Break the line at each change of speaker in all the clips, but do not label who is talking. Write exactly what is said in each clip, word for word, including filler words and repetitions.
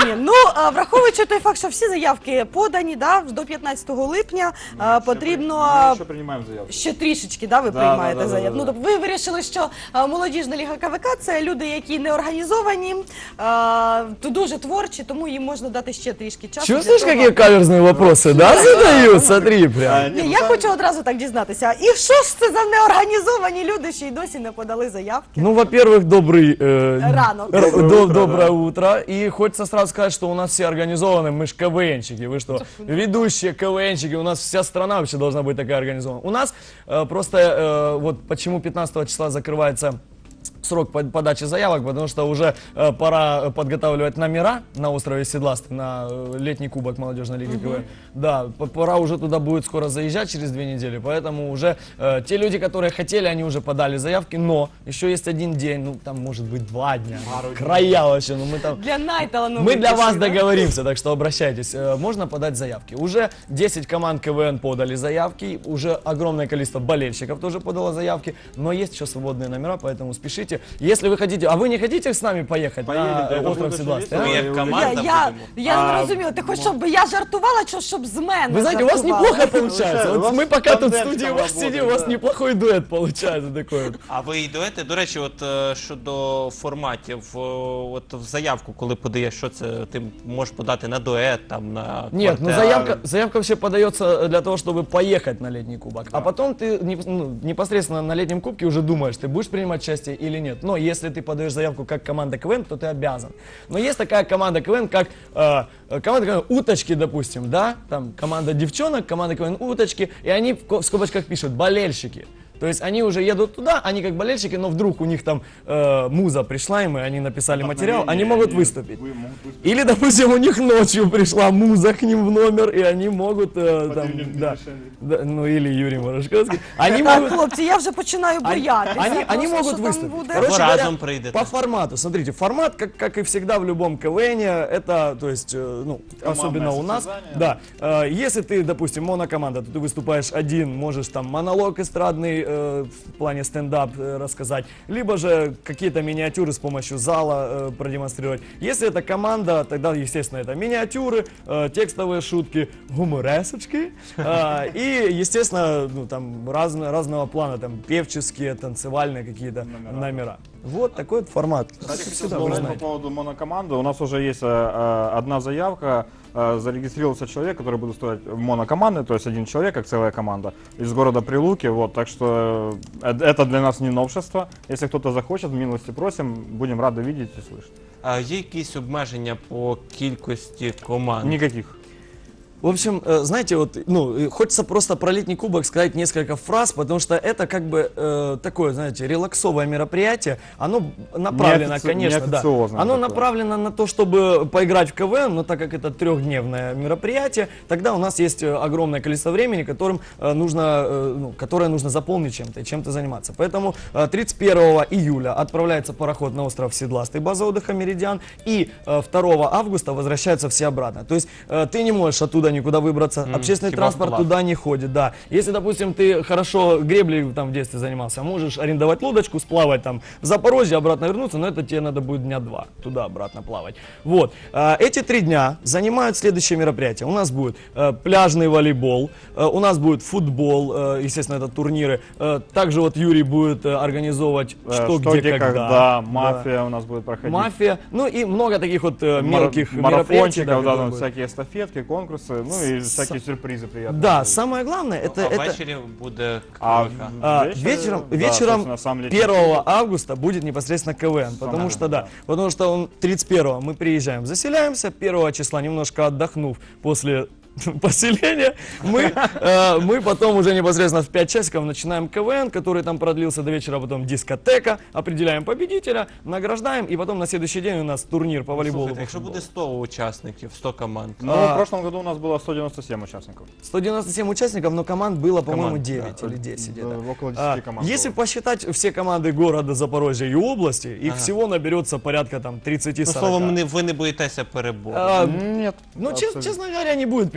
Ні, ну, а, враховуючи той факт, що всі заявки подані, да, до п'ятнадцятого липня, а, потрібно
Ми ще приймаємо заявки.
ще трішечки, да, ви
Да,
приймаєте
да, да,
заявки.
да,
Ну,
да.
тобто ви вирішили, що а, молодіжна ліга КВК – це люди, які не організовані, а, то дуже творчі, тому їм можна дати ще трішки часу.
Чувствуешь,
для того-
какие каверзные вопросы, да, задают? Смотри, прям.
Ні, я хочу одразу так дізнатися. І що ж це за неорганізовані люди, що й досі не подали заявки?
Ну, во-первых, добрый... э,
Рано.
р-
Доброе
до-
утро,
Доброе
да.
утро. И хочется сразу сказать, что у нас все организованы, мы ж КВНщики. Вы что, ведущие КВНщики, у нас вся страна вообще должна быть такая организована. У нас э, просто, э, вот почему пятнадцатого числа закрывается срок под- подачи заявок, потому что уже э, пора подготавливать номера на острове Седластый, на э, летний кубок молодежной лиги КВН. Да, п- пора уже туда будет скоро заезжать через две недели, поэтому уже э, те люди, которые хотели, они уже подали заявки, но еще есть один день, ну там может быть два дня, края вообще, ну мы там...
Для найталановитіших.
Мы для вас
да?
договоримся, так что обращайтесь. Э, Можно подать заявки. Уже десять команд КВН подали заявки, уже огромное количество болельщиков тоже подало заявки, но есть еще свободные номера, поэтому спешите. Если вы хотите, а вы не хотите с нами поехать
Поедете,
на
это
остров
будет
Седластый?
очень
а?
Ми як
Я,
команда
я,
будемо.
я
А,
не розумію, ти хочеш, щоб я жартувала, чи щоб з мене
Вы знаете, у вас
жартувала?
неплохо получается.
У
Вот
вас
мы пока тут в
тандемчиком
студии у вас
работает,
сидим, у вас
да.
неплохой дуэт получается такой вот.
А ви йдете? До речі, от е, щодо форматів, е, от в заявку, коли подаєш, що це ти можеш подати на дует, там на
Нет, ну
квартет?
заявка, заявка вообще подается для того, чтобы поехать на летний кубок. А потом ты не- ну, непосредственно на летнем кубке уже думаешь, ты будешь принимать участие или нет. Но если ты подаешь заявку как команда КВН, то ты обязан. Но есть такая команда КВН, как э, команда КВН «Уточки», допустим, да? Там команда девчонок, команда КВН «Уточки», и они в ко- в скобочках пишут «болельщики». То есть они уже едут туда, они как болельщики, но вдруг у них там э, муза пришла им, и они написали материал, они могут выступить.
Вы могут выступить.
Или, допустим, у них ночью пришла муза к ним в номер, и они могут, э, там,
Владимир
да,
Дмитриевич.
да, ну или Юрий Морошковский, они
Так,
могут,
хлопці, я вже починаю
они,
боятися.
они, они
просто,
могут
що там
выступить.
буде.
Короче
Вы
говоря,
разом придете.
по формату, смотрите, формат, как, как и всегда в любом КВНе, это, то есть, э, ну,
Командное
особенно у нас,
состязание.
да, э, если ты, допустим, монокоманда, то ты выступаешь один, можешь там монолог эстрадный э, в плане стендап э, рассказать, либо же какие-то миниатюры с помощью зала э, продемонстрировать. Если это команда, тогда, естественно, это миниатюры, э, текстовые шутки, гуморесочки э, и, естественно, ну, там разно, разного плана, там певческие, танцевальные какие-то номера.
Номера.
Вот такой вот формат.
Кстати, хотел
Всегда, вы
сказать по
знаете.
поводу монокоманды. У нас уже есть э, э, одна заявка. Э, зарегистрировался человек, который будет стоять в монокоманды, то есть один человек, как целая команда, из города Прилуки. Вот, так что э, это для нас не новшество. Если кто-то захочет, милости просим, будем рады видеть и слышать.
А є якісь обмеження по кількості команд?
Никаких.
В общем, э, знаете, вот, ну, э, хочется просто про летний кубок сказать несколько фраз, потому что это как бы э, такое, знаете, релаксовое мероприятие. Оно направлено,
Неофици-
конечно, да.
неофициозное
Оно
такое.
направлено на то, чтобы поиграть в КВН, но так как это трехдневное мероприятие, тогда у нас есть э, огромное количество времени, которым э, нужно, э, ну, которое нужно заполнить чем-то и чем-то заниматься. Поэтому э, тридцать первого июля отправляется пароход на остров Седластый, база отдыха «Меридиан», и э, второго августа возвращаются все обратно. То есть э, ты не можешь оттуда никуда выбраться,
М,
общественный
хиба
транспорт
вплав.
туда не ходит, да. Если, допустим, ты хорошо греблей там в детстве занимался, можешь арендовать лодочку, сплавать там в Запорожье, обратно вернуться, но это тебе надо будет дня два туда-обратно плавать. Вот. А, Эти три дня занимают следующие мероприятия. У нас будет э, пляжный волейбол, э, у нас будет футбол, э, естественно, это турниры. Э, Также вот Юрий будет э, организовывать
Э,
что, где, когда. Да.
мафия у нас будет проходить.
Мафия, ну и много таких вот э,
Мара-
мелких мероприятий.
марафончиков, да,
которые
там
будут.
всякие эстафетки, конкурсы, ну и всякие сюрпризы приятные.
Да, самое главное, это...
а
это...
ввечері буде
А
КВК.
А,
вечер-
вечером
да,
вечером
собственно, сам летний
первого августа будет непосредственно КВН, потому
Самое
что да,
главное.
потому что он тридцать первого мы приезжаем, заселяемся, первого числа немножко отдохнув после поселения, мы, э, мы потом уже непосредственно в пять часиков начинаем КВН, который там продлился до вечера, потом дискотека, определяем победителя, награждаем, и потом на следующий день у нас турнир по волейболу.
Слухайте,
по
якщо
футболу.
буде сто учасників, сто команд,
Ну,
А-
в прошлом году у нас было сто девяносто семь участников.
сто девяносто семь участников, но команд было, по-моему,
Команд,
девять
да.
или десять.
Да,
где-то.
около десяти
А,
команд
Если
было.
посчитать все команды города Запорожья и области, их
Ага.
всего наберется порядка там
ну,
тридцать-сорок.
словом, не- ви не боїтеся перебору.
А,
Нет.
Ну, чес-
абсолютно.
честно говоря, не будет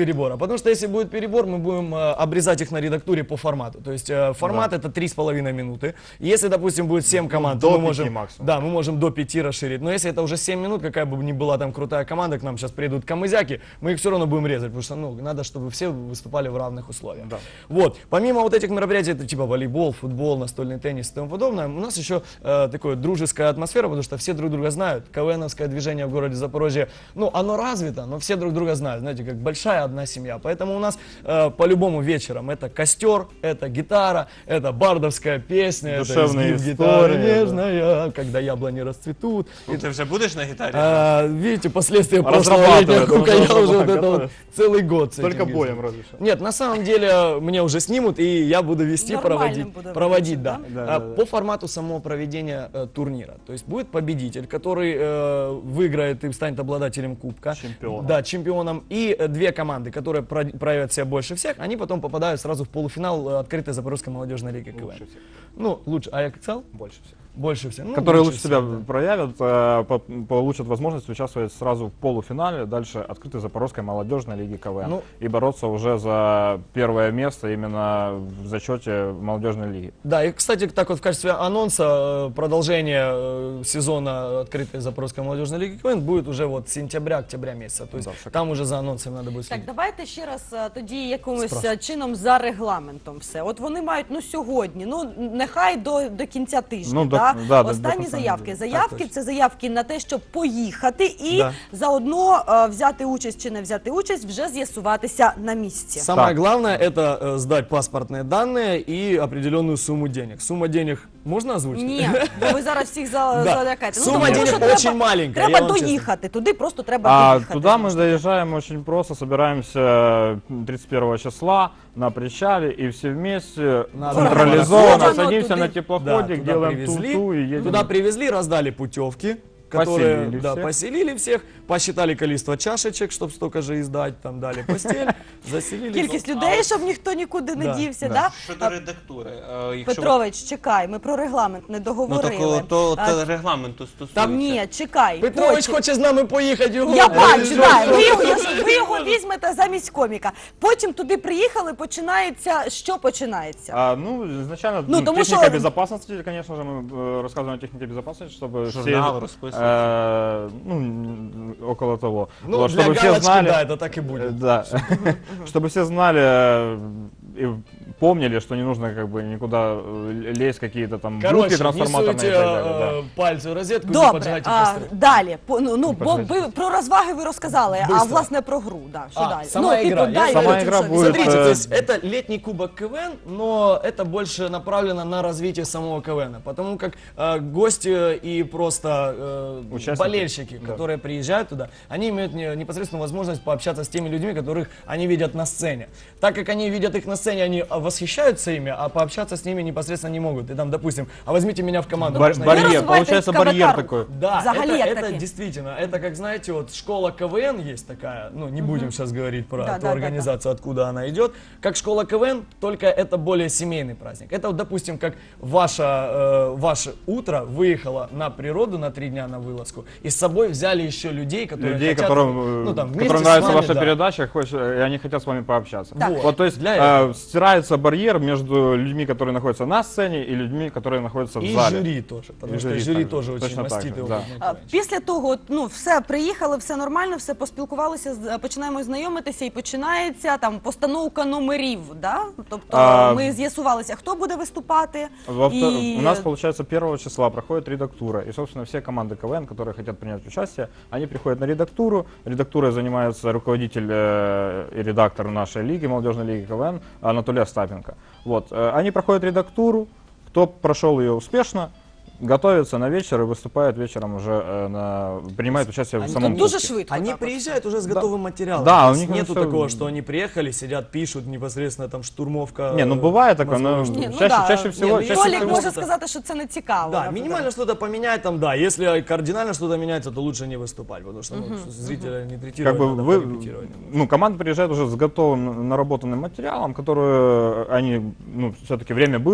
перебора. Потому что если будет перебор, мы будем э, обрезать их на редактуре по формату. То есть э, формат
Да.
это три с половиной минуты. Если, допустим, будет семь команд,
до
то мы
пяти
можем,
максимум.
да, мы можем до пяти расширить. Но если это уже семь минут, какая бы ни была там крутая команда, к нам сейчас приедут камызяки, мы их все равно будем резать, потому что ну, надо, чтобы все выступали в равных условиях.
Да.
Вот. Помимо вот этих мероприятий, это типа волейбол, футбол, настольный теннис и тому подобное, у нас еще э, такая дружеская атмосфера, потому что все друг друга знают. КВНовское движение в городе Запорожье, ну, оно развито, но все друг друга знают, знаете, как большая одна семья. Поэтому у нас э, по-любому вечером это костер, это гитара, это бардовская песня,
Душевные
это изгиб гитары
истории, да.
нежная, когда яблони расцветут.
Ну, ти вже будеш на гітарі?
А, видите, последствия прошлого
Разрабатывает,
летнего
он
кука, я уже вот
разрабатывает,
это вот
готовит.
целый год с
Только
этим
боем
ездил.
разве что.
Нет, на самом деле мне уже снимут, и я буду вести,
Нормальным
проводить,
буду
проводить,
выглядеть,
да.
да?
А,
Да, да, да.
По формату самого проведения э, турнира. То есть будет победитель, который э, выиграет и станет обладателем кубка.
Чемпионом.
Да, чемпионом. И э, две команды, которые про- проявят себя больше всех, они потом попадают сразу в полуфинал э, открытой Запорожской молодежной лиги КВН.
Лучше всех.
Ну, лучше. А я как сказал?
Больше всех.
Больше всех. Ну,
Которые лучше себя
всех, да.
проявят, э, по- получат возможность участвовать сразу в полуфинале, дальше открытой Запорожской молодежной лиги КВН.
Ну,
и бороться уже за первое место именно в зачете молодежной лиги.
Да, и, кстати, так вот в качестве анонса э, продолжение э, сезона открытой Запорожской молодежной лиги КВН будет уже вот сентября-октября месяца. То есть
Да, шикарно.
там уже за анонсами надо будет
Так,
следить.
давайте ще раз е, тоді якимось
Спрашуй.
е, чином за регламентом все. От вони мають ну сьогодні, ну нехай до, до кінця тижня.
Ну, до-
да?
да, до- до
Останні
кінця
заявки.
неділі.
Заявки
точно.
це заявки на те, щоб поїхати і
Да.
заодно е, взяти участь чи не взяти участь, вже з'ясуватися на місці.
Самое
Так.
главное это э, сдать паспортные данные и определенную сумму денег. Сумма денег можно озвучить?
Ні, бо ви зараз всіх за,
Да.
залякаєте.
Сума
тому
денег
що треба-
очень маленькая,
Треба
я вам честно.
доїхати, туди просто треба
А
доїхати.
туда мы доезжаем очень просто, собираемся тридцать первого числа на причале и все вместе
Надо
централизованно
организовано
садимся
туды.
на
Да,
теплоходик,
туда
делаем
привезли,
ту-ту и едем.
Туда привезли, раздали путевки, которые
Поселили
да,
всех.
поселили всех, посчитали количество чашечек, чтобы столько же издать, там дали постель, заселили.
Кількість людей, щоб ніхто нікуди не
Да,
дівся.
да.
Да?
Щодо редактури, е, якщо
Петрович, чекай, ми про регламент не
ну
договорили.
так то,
А,
то регламенту стосується.
Там ні, чекай.
Петрович
потім-
хоче з нами поїхати. його-
Я
Е,
бачу,
що-
да, ви,
що-
його, ви його візьмете замість коміка. Потім туди приїхали, починається, що починається?
А, ну, изначально
Ну,
ну,
тому
техника
що-
безопасности, конечно же, мы э, рассказываем о технике безопасности, чтобы
Журнал
все,
расписывается.
э, ну, н- около того.
Ну,
Вот,
для
чтобы все
галочки,
знали,
да, это так и
э,
будет.
да, чтобы все знали э, и помнили, что не нужно как бы никуда э, лезть, какие-то там блоки
Короче, не
трансформаторные
суйте
и так далее. да.
э, пальцы в розетку, не
Добре,
поджигайте
а,
костры.
далі. По- Ну, ну, бо
поджигайте
ви про розваги ви розказали, а
Быстро.
власне про гру. Да, що
А,
далі?
сама
ну,
ігра.
типу,
Я-
далі,
Сама
потім
ігра
що
буде,
Смотрите,
э,
то есть это летний кубок КВН, но это больше направлено на развитие самого КВН, потому как э, гости и просто э,
Участники.
болельщики,
Да.
которые приезжают туда, они имеют не- непосредственную возможность пообщаться с теми людьми, которых они видят на сцене. Так как они видят их на сцене, они а, восхищаются ими, а пообщаться с ними непосредственно не могут. И там, допустим, а возьмите меня в команду.
Бар-
можно я-
барьер,
развивайте
получается барьер
КВК.
такой.
Да,
Взагалі,
это,
як
это
таке?
действительно, это как, знаете, вот школа КВН есть такая, ну, не будем сейчас говорить про
Да,
ту
да, да,
организацию, откуда она идет, как школа КВН, только это более семейный праздник. Это, вот, допустим, как ваше, э, ваше утро выехало на природу на три дня на вылазку, и с собой взяли еще людей, которые
Людей,
хотят,
которым, э,
ну, там, вместе
которым
с
нравится
вами,
ваша
да.
передача, хочешь, э, и они хотят с вами пообщаться.
Так.
Вот, то есть
Для
э,
этого.
стирается барьер между людьми, которые находятся на сцене, и людьми, которые находятся в
И
зале.
жюри тоже, потому
И
что
жюри
жюри
также,
тоже очень
точно так
мастит
же,
его.
да.
А, Після того, от, ну, все, приїхали, все нормально, все поспілкувалися, з- починаємо знайомитися і починається там постановка номерів, да? Тобто
А,
ми з'ясувалися, хто буде виступати.
Во вто-
і...
У нас, получается, первого числа проходит редактура. И, собственно, все команды КВН, которые хотят принять участие, они приходят на редактуру. Редактурой занимается руководитель э, и редактор нашей лиги, молодежной лиги КВН, Анатолий Остапенко. Вот. э, Они проходят редактуру. Кто прошел ее успешно, готовится на вечер и выступает вечером уже, э, на, принимает участие в
Они
самом
там
Дуже
кубке.
швидко.
Они
так от.
приезжают уже с
Да.
готовым материалом.
Да,
То
у
есть
них
нету
всё-
такого, что они приехали, сидят, пишут непосредственно там штурмовка.
Не, ну бывает такое, но
мозговых штурм.
Ні, ну
чаще,
да.
чаще всего...
Не, ну,
чаще
если
Толік
всего-
може
это-
сказати, що це не цікаво.
Да,
наприклад.
минимально что-то поменять там, да. Если кардинально что-то меняется, то лучше не выступать, потому что ну, зрителя не третировать,
Как бы
надо
вы,
порепетировать.
ну, команда приезжает уже с готовым наработанным материалом, который они, ну, все-таки время было,
Да.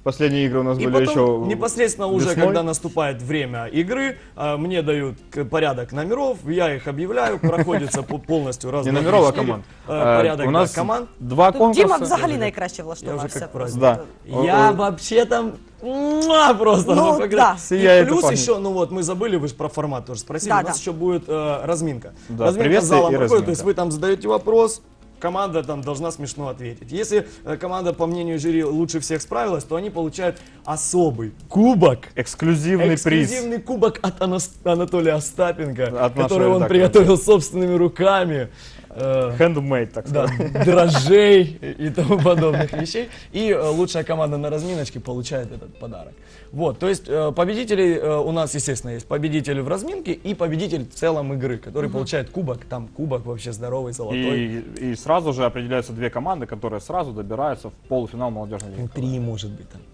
Последние игры у нас
И
были
потом
еще
непосредственно уже,
весной.
когда наступает время игры, а, мне дают к- порядок номеров, я их объявляю, проходится по- полностью раз,
Не
два,
номеров, а
три, четыре,
команд.
э,
Э,
порядок
у
да,
нас
команд.
два
Тут
конкурса.
Діма взагалі
вже-
найкраще
Я вже
влаштувався.
як
просто.
Да.
Я
О, о.
вообще там муа, просто.
Ну,
пока-
да.
И
Сияет и
плюс
пахнет.
еще, ну вот мы забыли, вы же про формат тоже спросили,
Да,
у нас
да.
еще будет э, разминка.
Да,
разминка с
приветствие
залом
и
проходит, то есть
разминка.
вы там задаете вопрос, команда там должна смешно ответить. Если э, команда, по мнению жюри, лучше всех справилась, то они получают особый кубок.
Эксклюзивный приз.
Эксклюзивный кубок от Анас- Анатолия Остапенко,
От
который
нашего
он
редактора.
приготовил собственными руками. Э,
Handmade, так
да,
сказать.
дрожжей и тому подобных вещей. И э, лучшая команда на разминочке получает этот подарок. Вот, то есть э, победители э, у нас, естественно, есть победитель в разминке и победитель в целом игры, который получает кубок, там кубок вообще здоровый, золотой.
И, и сразу же определяются две команды, которые сразу добираются в полуфинал молодежной лиги.
Три, может быть, там.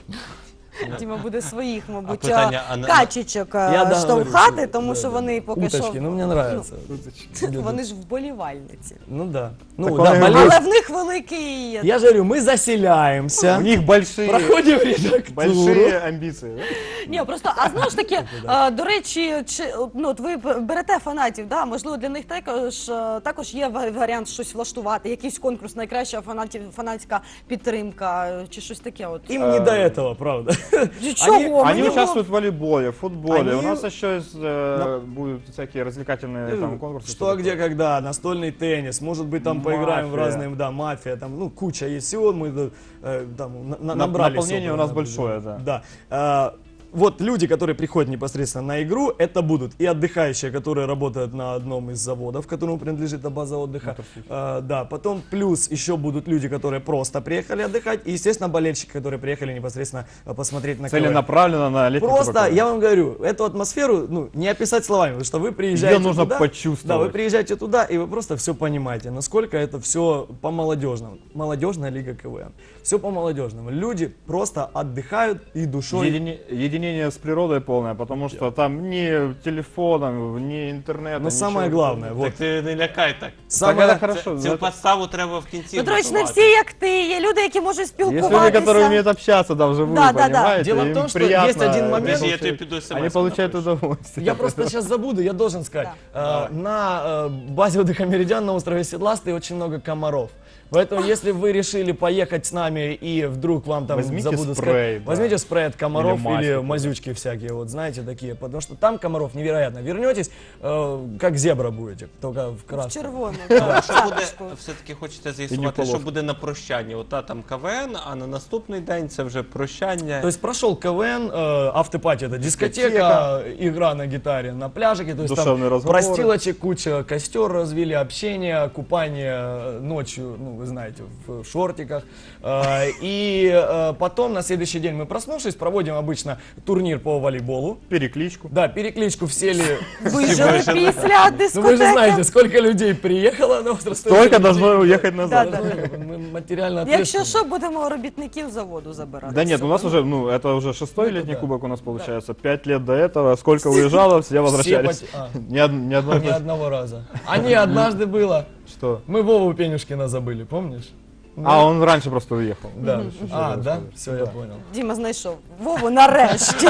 Діма буде своїх, мабуть,
А питання, а на-
качечок е,
Я
штовхати,
договорюсь,
тому
да,
що
да.
вони поки
Уточки,
що...
ну мне нравится.
Вони ж вболівальниці.
Ну да. Ну
Так
да,
он и
болезнь.
Але в них великий...
Я же говорю, мы заселяемся,
У них большие,
проходим редактуру.
большие амбиции. Да?
Ні, просто, а знову ж таки, е, до речі, чи, ну, от ви берете фанатів, да? Можливо, для них також, е, також є ва- варіант щось влаштувати, якийсь конкурс, найкраща фанатів, фанатська підтримка, е, чи щось таке. От.
Им не до этого, правда.
Чого?
Они-
Мені
Они
було-
участвуют в волейболе, в футболе.
Они-
У нас еще есть, э, будут всякие развлекательные там, конкурсы.
Что, где, когда, настольный теннис, может быть, там поиграем в
Мафия.
разные, да, мафия, там, ну, куча есть всего, мы э, там на- на-
На-
набрали.
наполнение
собрано,
у нас
да,
большое, да.
Да. А, вот люди, которые приходят непосредственно на игру, это будут и отдыхающие, которые работают на одном из заводов, которому принадлежит эта база отдыха. А, да, потом плюс еще будут люди, которые просто приехали отдыхать, и, естественно, болельщики, которые приехали непосредственно а, посмотреть на КВН.
Целенаправленно на летний
Просто,
кубок.
я вам говорю, эту атмосферу, ну, не описать словами, потому что вы приезжаете
Её нужно
туда,
почувствовать.
Да, вы приезжаете туда, и вы просто все понимаете, насколько это все по-молодежному. Молодежная лига КВН. Все по-молодежному. Люди просто отдыхают и душой.
Едини- единение с природой полное, потому что там ни телефоном, ни интернета.
Но
ничего.
самое главное, вот,
Так ти не лякай так.
самое,
это хорошо.
Цю
это-
подставу треба в кінці.
Петрович, не
готувати.
всі як ти, є люди, які можуть
Есть люди,
спілкуватися.
которые умеют общаться там вживую,
Да, да, да.
понимаете?
Дело в
Им
том, что
приятно,
есть один
они
момент-
Подожди, я
получают-
тобі піду смс.
Они получают удовольствие.
я просто сейчас забуду, я должен сказать. Э, на э, базе отдыха Меридиан на острове Седластый очень много комаров. Поэтому, если вы решили поехать с нами и вдруг вам там
Возьмите
забуду
спрей,
сказать,
да.
возьмите спрей от комаров
Или мазь
или,
какую-то.
мазючки всякие, вот знаете, такие, потому что там комаров невероятно. Вернетесь, э, как зебра будете, только в
В
красном.
червону.
А що буде, все-таки хочете з'ясувати,
полов.
що буде на прощання? Ота там КВН, а на наступний день це вже прощання.
То есть прошел КВН, э, автопати это дискотека,
Дискотека.
игра на гитаре на пляжике, то есть
Душевные
там
разговоры.
простилочек, куча, костер развили, общение, купание э, ночью, ну вы знаете, в шортиках. Э, И э, потом на следующий день мы, проснувшись, проводим обычно турнир по волейболу.
Перекличку.
Да, перекличку в селе.
Вижили після
Ну
дискотеки.
вы же знаете, сколько людей приехало на остров.
Столько должно уехать назад.
Да, да.
Мы материально
Якщо
ответственны.
що, будемо робітників заводу забирати.
Да нет, у нас уже, ну, это уже шестой
Ну, это
летний
да.
кубок у нас получается. Пять лет до этого. Сколько уезжало, все возвращались.
поте- а.
Ни, од- ни одной...
Ни одного раза. А не, однажды было.
Что?
Мы Вову Пенюшкина забыли, помнишь?
А, он раньше просто уехал.
Да. А, да? Все, я понял.
Діма знайшов. Вову нарешті.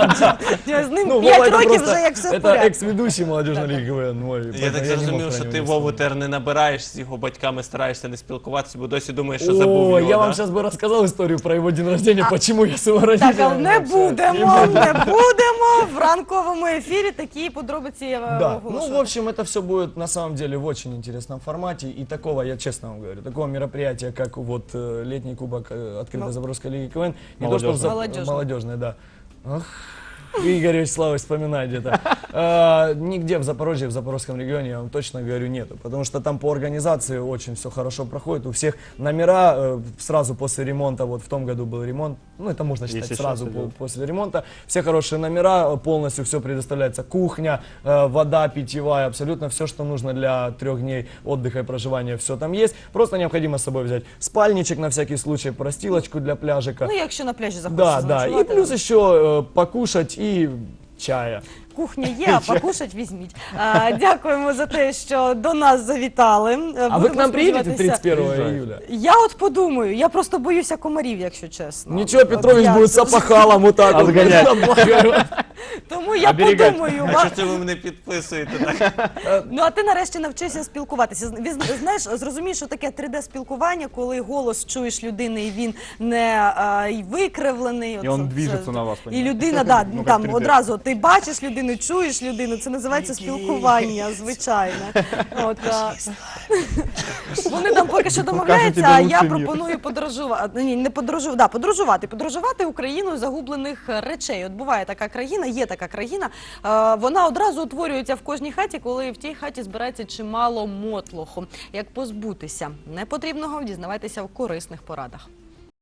З ним
Ну,
п'ять
Вова, это
років
просто-
вже як все в
это
порядку.
екс-ведущий молодежной лиги КВН мой.
Я
поэтому
так
не мог
зрозумів,
про
що
него
ти
не
Вову
сказать.
тепер не набираєш, з його батьками стараєшся не спілкуватися, бо досі думаєш, що забув
О,
його,
я
да?
вам сейчас бы рассказал историю про его день рождения, почему я с его
Так,
родителями
але не
общаюсь.
будемо, не будемо. В ранковому ефірі такі подробиці я
Да,
оголошую.
ну, в общем, это все будет на самом деле в очень интересном формате. И такого, я честно вам говорю, такого мероприятия, как вот э, летний кубок э, открытой
Ну,
Запорожской лиги КВН, не то, что в
Молодежный.
Зап-
Молодежный.
молодежный, да. Ах, Игорь Вячеславович вспоминает где-то. А, Нигде в Запорожье, в Запорожском регионе, я вам точно говорю, нету. Потому что там по организации очень все хорошо проходит. У всех номера э, сразу после ремонта, вот в том году был ремонт, ну это можно считать
Если
сразу
сейчас
по-
идет.
после ремонта. Все хорошие номера, э, полностью все предоставляется. Кухня, э, вода питьевая, абсолютно все, что нужно для трех дней отдыха и проживания, все там есть. Просто необходимо с собой взять спальничек на всякий случай, простилочку для пляжика.
Ну, якщо на пляжі захочеш
Да, да. И
заночувати.
плюс еще э, покушать и чая.
кухня є, а покушать візьміть. А, дякуємо за те, що до нас завітали.
А вы к нам приедете тридцать первого
Приезжайте.
июля?
Я от подумаю, я просто боюся комарів, якщо чесно.
Ничего,
От
Петрович
я
будет с
дуже-
опахалом вот так вот.
Отгонять.
Тому я
Оберігати.
подумаю.
А
ва-
що це ви мене підписуєте? Так?
Ну, а ти нарешті навчишся спілкуватися. З- віз- Знаєш, зрозумієш, що таке три де-спілкування, коли голос чуєш людини, і він не а, й викривлений.
І
Оце-
он
це-
движеться на вас,
І
понімаєш?
людина, да,
Ну, як
там
три де.
одразу ти бачиш людину, чуєш людину, це називається спілкування, звичайне. От, а, вони там поки що домовляються,
тебе
а я
лучший мір.
пропоную подорожувати. Ні, не подорожувати, да, подорожувати. Подорожувати Україною загублених речей. От буває така країна, є така країна. Е, вона одразу утворюється в кожній хаті, коли в тій хаті збирається чимало мотлоху. Як позбутися непотрібного, дізнавайтеся в корисних порадах.